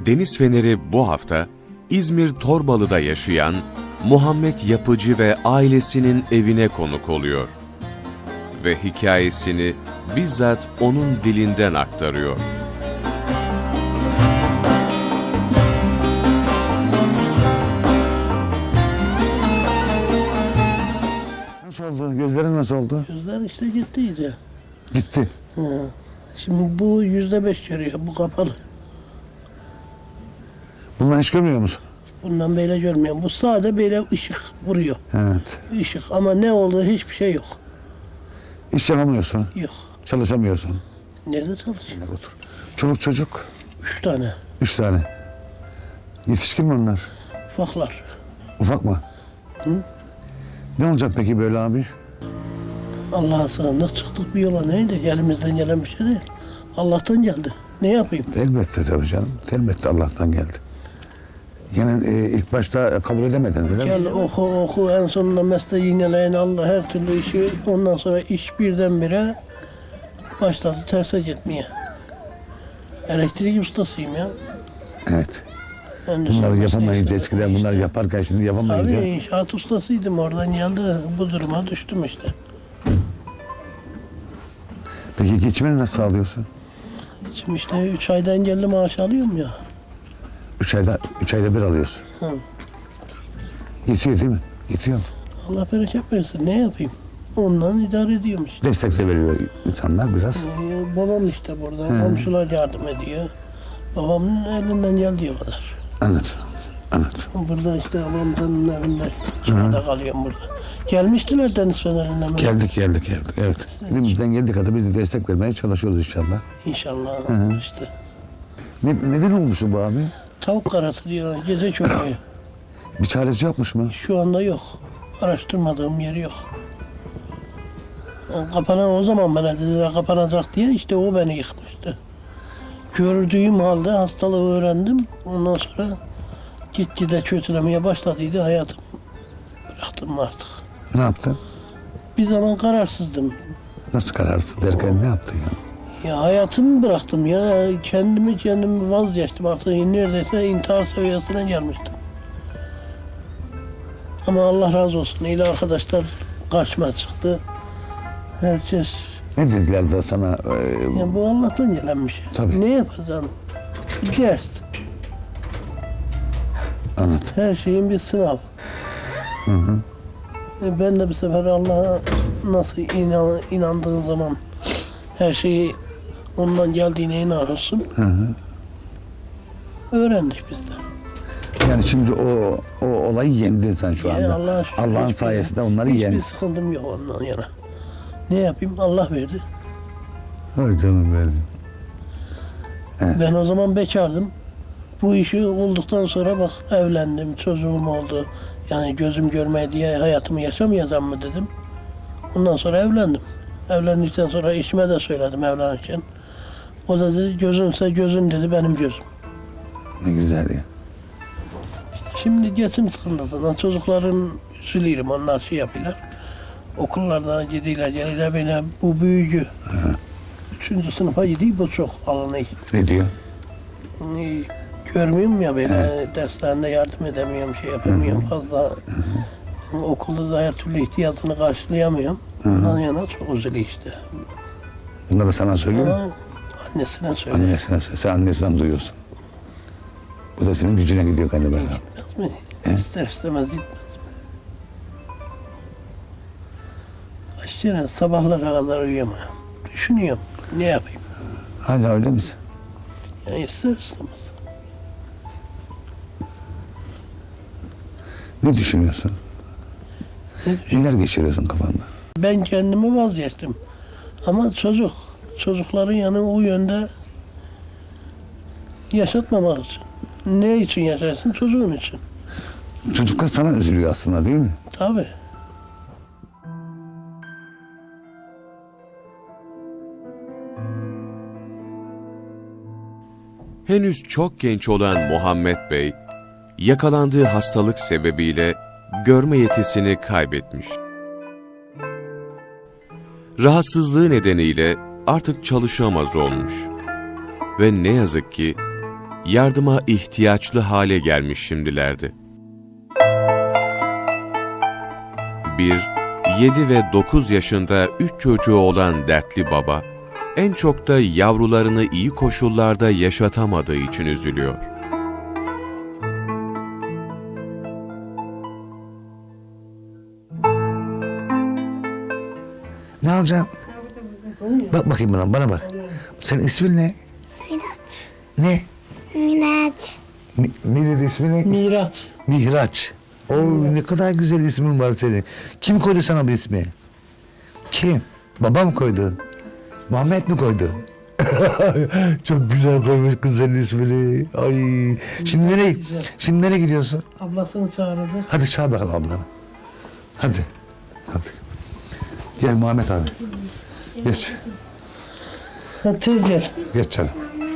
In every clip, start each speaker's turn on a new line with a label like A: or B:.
A: Deniz Feneri bu hafta İzmir Torbalı'da yaşayan Muhammed Yapıcı ve ailesinin evine konuk oluyor. Ve hikayesini bizzat onun dilinden aktarıyor.
B: Nasıl oldu? Gözlerin nasıl oldu?
C: Gözler işte gittiydi.
B: Gitti.
C: Ha. Şimdi bu %5 görüyor, bu kapalı.
B: Bundan hiç görmüyor musun?
C: Bundan böyle görmüyorum. Bu sade böyle ışık vuruyor.
B: Evet.
C: Işık ama ne olduğu hiçbir şey yok.
B: İş yapamıyorsun.
C: Yok.
B: Çalışamıyorsun.
C: Nerede çalışıyor?
B: Otur. Çoluk çocuk.
C: 3 tane
B: 3 tane. Yetişkin mi onlar?
C: ufaklar.
B: Ufak mı?
C: Hı?
B: Ne olacak peki böyle abi?
C: Allah'a sığındık çıktık bir yola, neydi? Elimizden gelen bir şey değil. Allah'tan geldi. Ne yapayım?
B: Elbette tabii canım. Elbette Allah'tan geldi. Yani ilk başta kabul edemedin öyle mi?
C: Gel oku en sonunda mesleği yineleyen Allah her türlü işi, ondan sonra iş birdenbire başladı terse gitmeye. Elektrik ustasıyım ya.
B: Evet.
C: Endüstri
B: Bunları
C: mesleği
B: yapamayınca
C: işte.
B: eskiden bunları yaparken şimdi yapamayınca.
C: Tabii inşaat ustasıydım, oradan geldi bu duruma düştüm işte.
B: Peki geçimini nasıl sağlıyorsun?
C: Şimdi işte 3 ayda engelli maaş alıyorum ya.
B: 3 ayda bir alıyorsun.
C: Hı.
B: Yetiyor değil mi? Yetiyor mu?
C: Allah bereket versin, ne yapayım? Ondan idare ediyorum işte.
B: Destek de veriyor insanlar biraz.
C: Babam işte burada, komşular yardım ediyor. Babamın elinden geldiği kadar.
B: Anladım. Anladım.
C: Burada işte babamın evinde çıkmada kalıyorum burada. Gelmiştiler Deniz Feneri'nden.
B: Geldik. Evet. Elimizden geldiği kadar biz de destek vermeye çalışıyoruz inşallah.
C: İnşallah işte.
B: Neden olmuş bu abi?
C: Tavuk karası diyorlar, gece çöküyor.
B: Bir çaresi yapmış mı?
C: Şu anda yok. Araştırmadığım yeri yok. Kapanan o zaman bana dediler kapanacak diye, işte o beni yıkmıştı. Gördüğüm halde hastalığı öğrendim. Ondan sonra gitgide kötülemeye başladıydı hayatım. Bıraktım artık.
B: Ne yaptın?
C: Bir zaman kararsızdım.
B: Nasıl kararsız derken ne yaptın ya?
C: Ya hayatımı bıraktım ya. Kendimi vazgeçtim artık. Neredeyse intihar seviyesine gelmiştim. Ama Allah razı olsun. İyi arkadaşlar karşıma çıktı. Herkes,
B: Ne dediler de sana?
C: ya bu Allah'tan gelen bir şey.
B: Tabii.
C: Ne yapacaksın? Bir ders.
B: Anlat.
C: Her şeyin bir sınav.
B: Hı hı.
C: Ben de bir sefer Allah'a nasıl inandığın zaman her şeyi ondan geldiğine inanırsın.
B: Hı hı.
C: Öğrendik biz de.
B: Yani şimdi o olayı yendin sen şu anda.
C: Allah'a şükür
B: Allah'ın
C: hiçbir-
B: sayesinde onları yendin.
C: Hiçbir sıkıntım yok ondan yana. Ne yapayım? Allah verdi.
B: Ay canım benim.
C: Ben o zaman bekardım. Bu işi olduktan sonra bak evlendim, çocuğum oldu. Yani gözüm görmeye diye hayatımı yaşamayacağım mı dedim. Ondan sonra evlendim. Evlendikten sonra eşime de söyledim evlenirken. O da dedi gözünse gözün dedi, benim gözüm.
B: Ne güzel ya.
C: Şimdi geçim sıkıntısından çocukların üzülüyorum, onlar şey yapıyorlar. Okullarda gidiyorlar, geliyorlar beni, bu büyücü. 3. sınıfa gidiyor, bu çok alınıyor.
B: Ne diyor?
C: Görmüyorum ya böyle, derslerinde yardım edemiyorum, şey yapamıyorum fazla. Okulda da her türlü ihtiyacını karşılayamıyorum. Ondan yana çok üzülüyor işte.
B: Bunları sana söylüyor mu?
C: Ama annesine söylüyor.
B: Annesine söyle. Sen annesinden duyuyorsun. Bu da senin gücüne gidiyor galiba.
C: Gitmez mi?
B: He?
C: İster istemez gitmez mi? Kaç kere sabahlara kadar uyuyamıyorum. Düşünüyorum, ne yapayım?
B: Hala öyle misin?
C: Yani ister istemez.
B: Ne düşünüyorsun?
C: Ne
B: Neler geçiriyorsun kafanda?
C: Ben kendimi vazgeçtim. Ama çocukların yanı o yönde yaşatmamak için. Ne için yaşarsın? Çocuğun için.
B: Çocuklar sana üzülüyor aslında değil mi?
C: Tabii.
A: Henüz çok genç olan Muhammed Bey, yakalandığı hastalık sebebiyle görme yetisini kaybetmiş. Rahatsızlığı nedeniyle artık çalışamaz olmuş. Ve ne yazık ki yardıma ihtiyaçlı hale gelmiş şimdilerdi. 1, 7 ve 9 yaşında 3 çocuğu olan dertli baba, en çok da yavrularını iyi koşullarda yaşatamadığı için üzülüyor.
B: Ne alacaksın? Bak bakayım bana bak. Senin ismin ne?
D: Miraç.
B: Ne?
D: Miraç.
B: Ne dedi ismi ne?
C: Miraç.
B: Mihraç. Ne kadar güzel ismin var senin. Kim koydu sana bu ismi? Kim? Babam mı koydu? Muhammed mi koydu? Çok güzel koymuş kız senin ismini. Ay. Şimdi nereye gidiyorsun?
C: Ablasını çağırdı.
B: Hadi çağır bakalım ablanı. Hadi. Gel Muhammed abi. Geç.
C: Ha, tez gel.
B: Geç canım.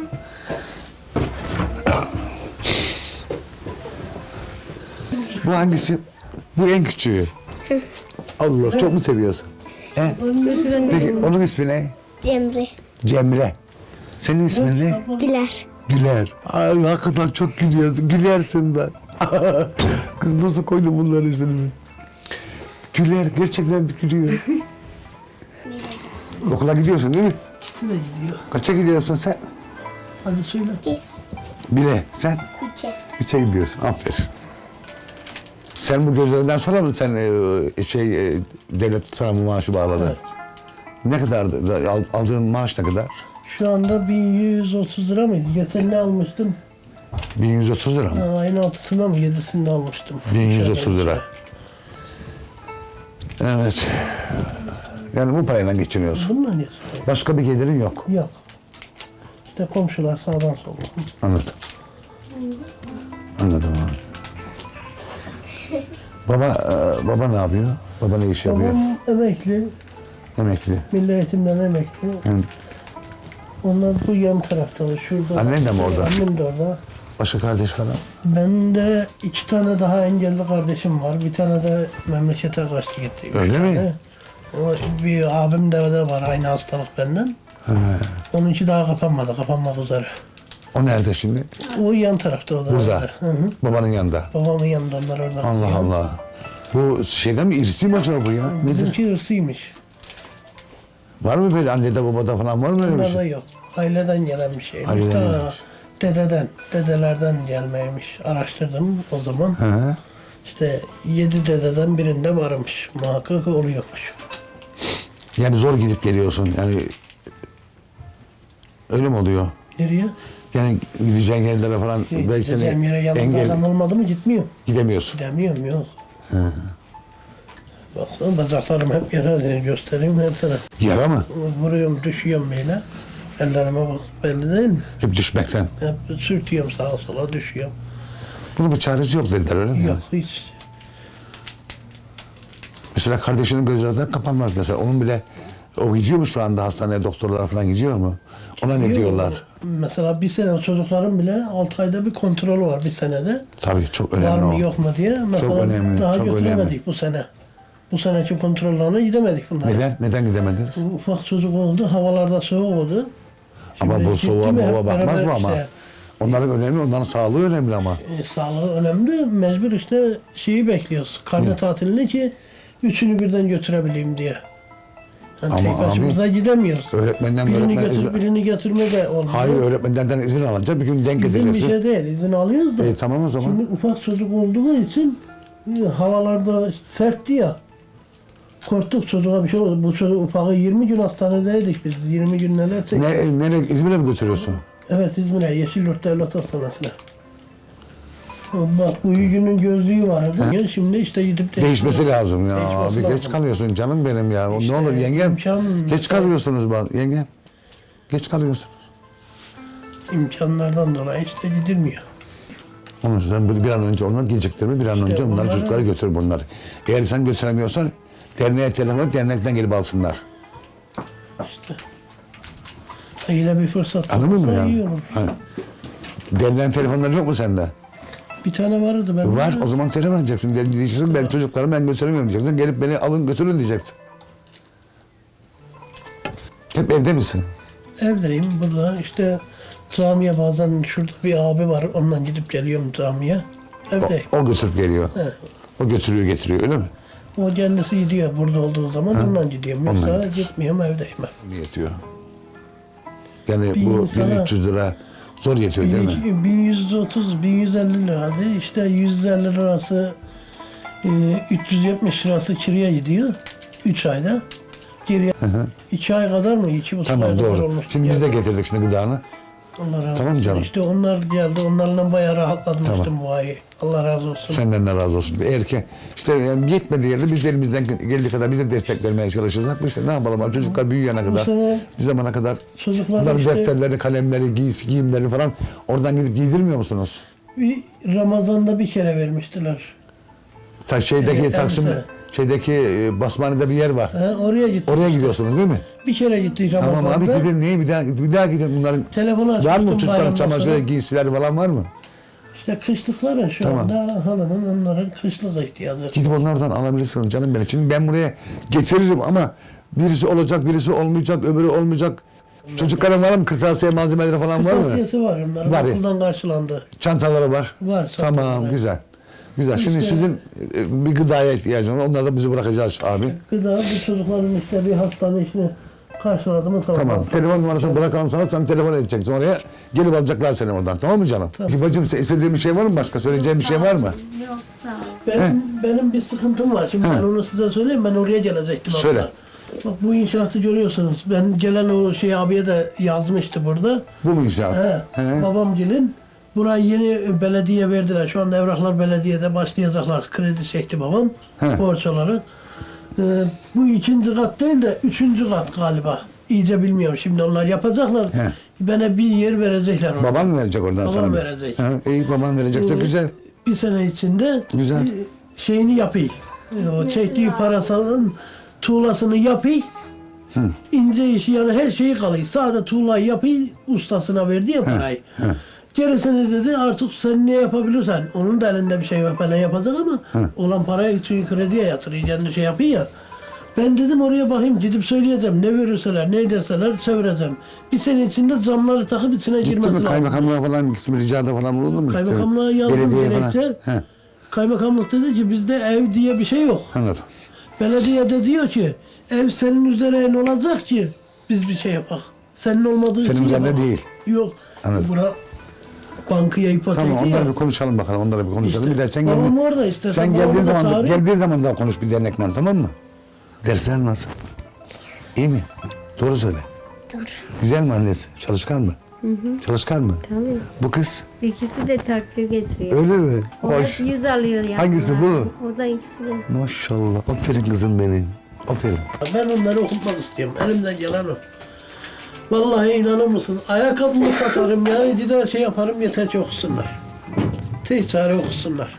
B: Bu hangisi? Bu en küçüğü. Allah çok mu seviyorsun? He? Peki onun ismi ne?
D: Cemre.
B: Cemre. Senin ismin ne?
D: Güler.
B: Güler. Ay hakikaten çok gülüyorsun. Gülersin ben. Kız nasıl koydun bunların ismini? Güler gerçekten gülüyor. Okula gidiyorsun değil mi?
C: İkisi de gidiyor.
B: Kaça gidiyorsun sen?
C: Hadi söyle.
B: Bire. Sen? Üçe gidiyorsun. Aferin. Sen bu gözlerinden sonra mı sen devlet sana bu maaşı bağladı?
C: Evet.
B: Ne kadar aldığın maaş ne kadar?
C: Şu anda 1130 lira mıydı? Geçen ne almıştım?
B: 1130 lira mı?
C: Ha, ayın 6'sında mı 7'sinde almıştım.
B: 1130 lira. Evet. Yani bu parayla geçiniyorsun.
C: Bununla ne?
B: Başka bir gelirin yok.
C: Yok. İşte komşular sağdan soldan.
B: Anladım. Anladım abi. Baba ne yapıyor? Baba ne iş yapıyor?
C: Babam emekli.
B: Emekli.
C: Milli Eğitim'den emekli.
B: Hı.
C: Onlar bu yan tarafta. Şurada.
B: Annen de mi orada?
C: Annem de orada.
B: Başka kardeş falan?
C: Ben de 2 tane daha engelli kardeşim var. Bir tane de memlekete kaçtı gitti. Üç
B: Öyle mi?
C: tane. Ama bir abim de var aynı hastalık benden. Onunki daha kapanmadı. Kapanmak üzere.
B: O nerede şimdi?
C: O yan tarafta o da.
B: Burada.
C: Hı hı.
B: Babanın yanında.
C: Babamın yanında onlar orada.
B: Allah Allah. Bu şeyden mi irsi mi acaba bu ya? Nedir?
C: Bizimki hırsıymış.
B: Var mı böyle annede babada falan var mı öyle bir
C: Bunlarda
B: şey?
C: yok. Aileden gelen bir şeymiş.
B: Aileden
C: Ta
B: gelmiş.
C: dedelerden gelmeymiş. Araştırdım o zaman.
B: Hı.
C: İşte 7 dededen birinde varmış. Muhakkak oluyormuş.
B: Yani zor gidip geliyorsun yani öyle mi oluyor?
C: Nereye?
B: Yani gideceğin yerlere falan belki seni
C: Gideceğim yere yanımda adam olmadı mı gitmiyorum.
B: gidemiyorsun.
C: Gidemiyorum yok. Baksana bacaklarım hep yere göstereyim hep sana.
B: Yara mı?
C: Vuruyorum düşüyorum böyle. Ellerime bak belli değil mi?
B: Hep düşmekten.
C: Hep sürtüyorum sağa sola düşüyorum.
B: Bunun bir çaresi yok dediler öyle mi?
C: Yok
B: Yani?
C: hiç.
B: Mesela kardeşinin gözlerinden kapanmaz mesela. Onun bile o gidiyor mu şu anda hastaneye doktorlara falan gidiyor mu? Ona ne diyorlar?
C: Mesela bir sene çocukların bile 6 ayda bir kontrolü var bir senede.
B: Tabii çok
C: Var
B: önemli
C: mı
B: o.
C: yok mu diye. Mesela
B: önemli,
C: daha
B: çok
C: götüremedik
B: önemli.
C: bu sene. Bu seneki kontrollerine gidemedik bunlar.
B: Neden? Neden gidemediniz?
C: Ufak çocuk oldu, havalarda soğuk oldu.
B: Ama
C: Şimdi
B: bu soğuğa
C: gitti mi
B: baba
C: hep
B: bakmaz
C: beraber
B: mı ama?
C: işte,
B: Onların önemli, onların sağlığı önemli ama.
C: sağlığı önemli. Mecbur işte şeyi bekliyoruz. Karne tatilini ki üçünü birden götürebileyim diye. Yani
B: Ama
C: tek başımıza gidemiyoruz.
B: Öğretmenden
C: Birini
B: öğretmen
C: götür, birini götürme de olmuyor.
B: Hayır öğretmenlerden izin alınca bir gün denk
C: İzin bir
B: edilirsin.
C: şey değil. İzin alıyoruz da.
B: Tamam o zaman.
C: Şimdi ufak çocuk olduğu için havalarda sertti ya. Korktuk çocuğa bir şey oldu. Bu çocuk ufağı 20 gün hastanedeydik biz. 20 gün neler çektik.
B: Nereye İzmir'e mi götürüyorsun?
C: Evet İzmir'e Yeşilyurt Devlet Hastanesi'ne. Bak bu günün gözlüğü vardı. Şimdi işte gidip
B: Değişmesi lazım ya.
C: Değişmesi
B: Abi
C: lazım.
B: geç kalıyorsun canım benim ya.
C: İşte
B: ne olur yengem.
C: imkan-
B: Geç kalıyorsunuz bak yengem. Geç kalıyorsun.
C: İmkanlardan dolayı işte gidilmiyor.
B: Onun için sen bir an önce onları geciktirme, bir an önce onları
C: bunları-
B: çocukları götür bunlar. Eğer sen götüremiyorsan derneğe telefon et, dernekten gelip alsınlar.
C: İşte. Yine bir fırsat.
B: Anladın mı
C: olursa
B: yani?
C: iyi olur.
B: Hani, derneğin telefonları yok mu sende?
C: Bir tane vardı ben.
B: Var, o zaman telefon edeceksin. Diyeceksin ben çocuklarımı ben götüremiyorum diyeceksin. Gelip beni alın götürün diyeceksin. Hep evde misin?
C: Evdeyim burada işte camiye bazen şurada bir abi var ondan gidip geliyorum camiye. Evdeyim.
B: O götürüp geliyor.
C: He.
B: O götürüyor getiriyor öyle mi?
C: O kendisi gidiyor burada olduğu zaman ondan gidiyorum.
B: Ondan
C: Yoksa
B: gidiyorsun.
C: gitmiyorum evdeyim hep.
B: Ne yetiyor? Yani
C: Bir
B: bu
C: insana-
B: 1300 lira zor yetiyor değil mi?
C: 1130, 1150 liraydı. İşte 150 lirası 370 lirası kiraya gidiyor. 3 ayda. Geriye 2 ay kadar mı? 2,5
B: Tamam
C: ay kadar
B: doğru.
C: olmuş.
B: Şimdi biz de getirdik şimdi gıdanı.
C: Allah razı
B: Tamam
C: olsun.
B: canım.
C: İşte onlar geldi. Onlarla bayağı rahatlamıştım
B: Tamam.
C: bu ayı. Allah razı olsun.
B: Senden de razı olsun. Eğer ki işte yani yetmediği yerde biz de elimizden geldiği kadar bize destek vermeye çalışacağız. Bu işte ne yapalım abi, çocuklar büyüyene kadar,
C: sene
B: bir zamana kadar
C: çocuklar
B: bunların
C: işte-
B: defterleri, kalemleri, giyimleri falan oradan gidip giydirmiyor musunuz?
C: Bir Ramazan'da bir kere vermiştiler.
B: Şeydeki
C: Evet,
B: Taksim,
C: elbise.
B: şeydeki Basmane'de bir yer var.
C: Oraya gittik.
B: Oraya gidiyorsunuz değil mi?
C: Bir kere gittik Ramazan'da.
B: Tamam abi gidin, niye bir daha gidin bunların.
C: Telefonu
B: Var
C: açmıştım
B: mı çocukların
C: bayramdan
B: çamaşırı,
C: sonra.
B: giysileri falan var mı?
C: İşte kışlıkları şu
B: Tamam.
C: anda hanımın onların kışlık ihtiyacı.
B: Gidip onlardan alabilirsiniz canım benim. Şimdi ben buraya getiririm ama birisi olacak, birisi olmayacak, öbürü olmayacak. Çocukların var mı? Kırtasiye malzemeleri falan var mı?
C: Kırtasiyesi var onların.
B: Var ya.
C: Okuldan karşılandı.
B: Çantaları var.
C: Var,
B: Tamam,
C: çantaları.
B: güzel. Güzel. Şimdi
C: İşte-
B: sizin bir gıdaya ihtiyacınız var. Onları da bizi bırakacağız abi.
C: Gıda bu çocukların işte bir hastane işini karşıladı mı tamam.
B: Tamam. Telefon numarasını bırakalım sana. Sen telefon edeceksin oraya. Gelip alacaklar seni oradan. Tamam mı canım?
C: Tamam.
B: Bacım istediğin bir şey var mı başka? Söyleyeceğin bir şey var mı?
D: Yok sağ ol.
C: Benim bir sıkıntım var. Şimdi ben onu size söyleyeyim. Ben oraya gelecektim.
B: Söyle.
C: hatta. Bak bu inşaatı görüyorsunuz. Ben gelen o şey abiye de yazmıştı burada.
B: Bu mu inşaat? He.
C: Babamgilin. Burayı yeni belediye verdiler. Şu anda evraklar belediyede başlayacaklar. Kredi çekti babam.
B: He.
C: Borç olarak. Bu ikinci kat değil de üçüncü kat galiba. İyice bilmiyorum. Şimdi onlar yapacaklar.
B: He.
C: Bana bir yer verecekler orada.
B: Baban mı verecek oradan
C: Babam
B: sana? bir?
C: verecek.
B: He, iyi baban verecekse
C: Ee,
B: güzel.
C: Bir sene içinde
B: Güzel.
C: Şeyini yapayım. O çektiği parasının tuğlasını yapayım. İnce işi yani her şeyi kalıyor. Sadece tuğlayı yapayım, ustasına verdi ya parayı. Gerisini dedi artık sen ne yapabilirsen. Onun da elinde bir şey var falan yapacak ama olan parayı için krediye yatırıyor. Kendi şey yapıyor ya. Ben dedim oraya bakayım gidip söyleyeceğim. Ne verirseler, ne ederseler çevireceğim. Bir sene içinde zamları takıp içine
B: Gitti
C: girmesi
B: mi
C: lazım.
B: kaymakamlığa falan gitti mi? Ricada falan bulundu mu?
C: Kaymakamlığa yazdım
B: Belediyeye falan.
C: gerekçe.
B: He,
C: Kaymakamlık dedi ki bizde ev diye bir şey yok.
B: anladım.
C: Belediye de diyor ki ev senin üzerine olacak ki biz bir şey yapak. Senin olmadığı
B: Senin
C: için
B: üzerine
C: yapak.
B: değil.
C: Yok.
B: Anladım.
C: Bura bankaya ipotek
B: Tamam
C: ya.
B: onları bir konuşalım bakalım. Onları bir konuşalım.
C: İşte,
B: bir de sen
C: babam
B: geldiğin,
C: orada istersen
B: sen
C: babamı
B: geldiğin
C: da
B: zaman
C: çağırayım.
B: geldiğin zaman daha konuş bir dernekle tamam mı? Dersler nasıl? İyi mi? Doğru söyle.
D: Doğru.
B: Güzel mi annesi? Çalışkan mı? Çalışkan mı?
E: Tabii.
B: Bu kız
E: İkisi de takdir getiriyor.
B: öyle mi?
E: O
B: Hoş.
E: hep 100 alıyor yani.
B: Hangisi bu?
E: O da ikisi de.
B: Maşallah. Aferin kızım benim. Aferin.
C: Ben onları okutmak istiyorum. Elimden gelen o. Vallahi inanır mısın? Ayakkabımı satarım ya. Gider şey yaparım yeter ki okusunlar. Tek çare okusunlar.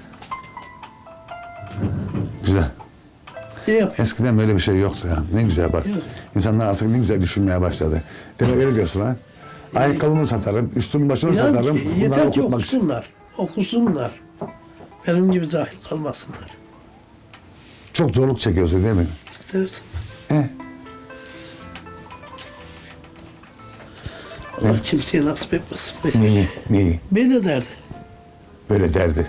B: Güzel.
C: Ne yapayım?
B: Eskiden böyle bir şey yoktu ya. Ne güzel bak.
C: Yok.
B: İnsanlar artık ne güzel düşünmeye başladı. Demek öyle diyorsun ha. Ayakkabımı satarım, üstümü başımı
C: İnan
B: satarım.
C: ki
B: Bunları
C: yeter ki
B: okutmak için.
C: okusunlar. Okusunlar. Benim gibi cahil kalmasınlar.
B: Çok zorluk çekiyorsun değil mi?
C: İstersin.
B: He?
C: Allah kimseye nasip etmesin.
B: Neyi? Neyi?
C: Böyle derdi.
B: Böyle derdi.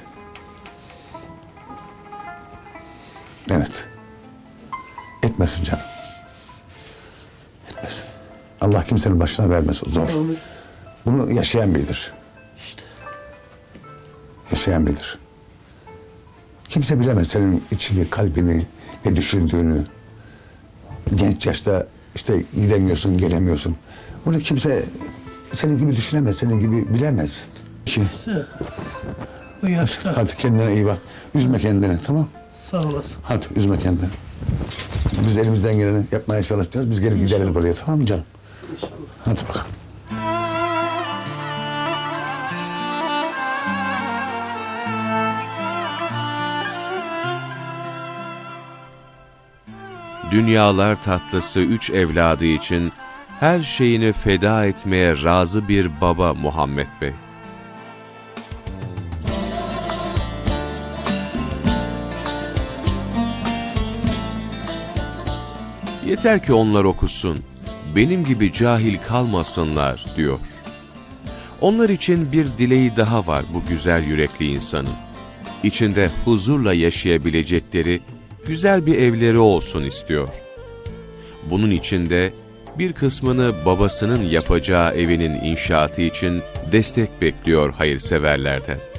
B: Evet. Etmesin canım. Etmesin. Allah kimsenin başına vermesin. Zor.
C: Onu
B: Bunu yaşayan bilir.
C: işte.
B: Yaşayan bilir. Kimse bilemez senin içini, kalbini, ne düşündüğünü. Genç yaşta işte gidemiyorsun, gelemiyorsun. Bunu kimse senin gibi düşünemez, senin gibi bilemez. Ki,
C: Bu yaşta.
B: hadi kendine iyi bak. Üzme kendini, tamam?
C: Sağ olasın.
B: Hadi üzme kendini. Biz elimizden geleni yapmaya çalışacağız. Biz gelip gideriz buraya, tamam mı canım?
C: İnşallah.
B: Hadi bakalım.
A: Dünyalar tatlısı 3 evladı için her şeyini feda etmeye razı bir baba Muhammed Bey. Yeter ki onlar okusun, benim gibi cahil kalmasınlar diyor. Onlar için bir dileği daha var bu güzel yürekli insanın. İçinde huzurla yaşayabilecekleri güzel bir evleri olsun istiyor. Bunun için de bir kısmını babasının yapacağı evinin inşaatı için destek bekliyor hayırseverlerden.